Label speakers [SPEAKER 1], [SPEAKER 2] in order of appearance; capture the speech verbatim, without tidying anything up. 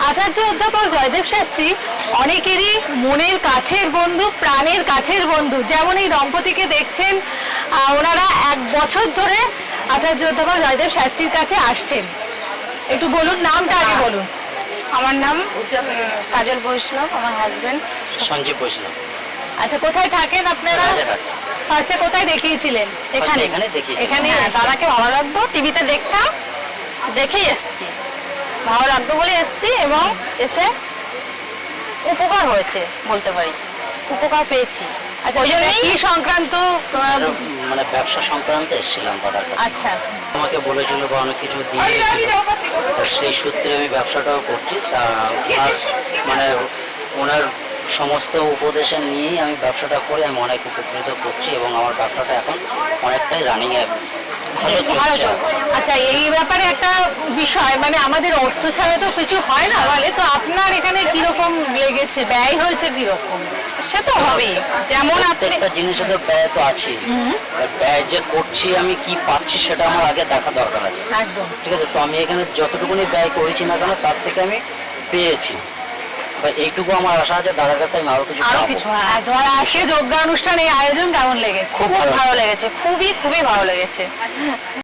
[SPEAKER 1] আচার্য অধ্যাপক জয়দেব শাস্ত্রী অনেকেরই মনের কাছের বন্ধু, প্রাণের কাছের বন্ধু। যেমন এই দম্পতিকে দেখছেন, আহ, ওনারা এক বছর ধরে আচার্য অধ্যাপক জয়দেব শাস্ত্রীর কাছে আসছেন। একটু বলুন, নামটা আগে বলুন।
[SPEAKER 2] আমার নাম কাজল বৈষ্ণব, আমার হাজবেন্ড
[SPEAKER 3] সঞ্জীব বৈষ্ণব।
[SPEAKER 1] আচ্ছা, কোথায় থাকেন আপনারা?
[SPEAKER 3] রাজারহাট।
[SPEAKER 1] ফার্স্টে কোথায় দেখিয়েছিলেন? এখানে
[SPEAKER 3] এখানে দেখিয়েছি।
[SPEAKER 1] এখানে
[SPEAKER 2] হ্যাঁ, দাদাকে ভালো লাগতো, টিভিতে দেখতাম, দেখেই এসছি। ভালো লাগতো বলে এসছি এবং এসে উপকার হয়েছে বলতে পারি, উপকার পেয়েছি।
[SPEAKER 1] আচ্ছা,
[SPEAKER 2] ওই জন্যই
[SPEAKER 1] কি সংক্রান্ত? আহ,
[SPEAKER 3] মানে ব্যবসা সংক্রান্তে এসেছিলাম দাদার কাছে।
[SPEAKER 1] আচ্ছা,
[SPEAKER 3] আমাকে বলেছিল বা অনেক কিছু দিয়েছিল, তো সেই সূত্রে আমি ব্যবসাটাও করছি। তা ওনার মানে ওনার সমস্ত উপদেশে নিয়েই আমি ব্যবসাটা করে আমি অনেক উপকৃত করছি এবং আমার ব্যবসাটা এখন অনেকটাই রানিংয়ে ভালো
[SPEAKER 2] ভালো
[SPEAKER 3] চলছে।
[SPEAKER 2] চলছে।
[SPEAKER 1] আচ্ছা, এই ব্যাপারে একটা বিষয়, মানে আমাদের অর্থ ছাড়া তো কিছু হয় না বলে, তো আপনার এখানে কিরকম লেগেছে, ব্যয় হয়েছে কিরকম?
[SPEAKER 2] সে তো হবেই, যেমন আপনি
[SPEAKER 3] প্রত্যেকটা জিনিসের তো ব্যয় তো আছে। ব্যয় যে করছি আমি কি পাচ্ছি সেটা আমার আগে দেখা দরকার আছে।
[SPEAKER 1] একদম।
[SPEAKER 3] ঠিক আছে, তো আমি এখানে যতটুকুনি ব্যয় করেছি না কেন তার থেকে আমি পেয়েছি, বা এইটুকু আমার আশা আছে দাদার কাছ থেকে আমি আরো কিছু
[SPEAKER 2] আরো
[SPEAKER 3] পাবো।
[SPEAKER 2] কিছু, হ্যাঁ,
[SPEAKER 1] আর তোমার আজকে যোগ্য অনুষ্ঠানে আয়োজন কেমন লেগেছে?
[SPEAKER 3] খুব
[SPEAKER 2] খুব
[SPEAKER 3] ভালো
[SPEAKER 2] ভালো লেগেছে, খুবই খুবই ভালো লেগেছে।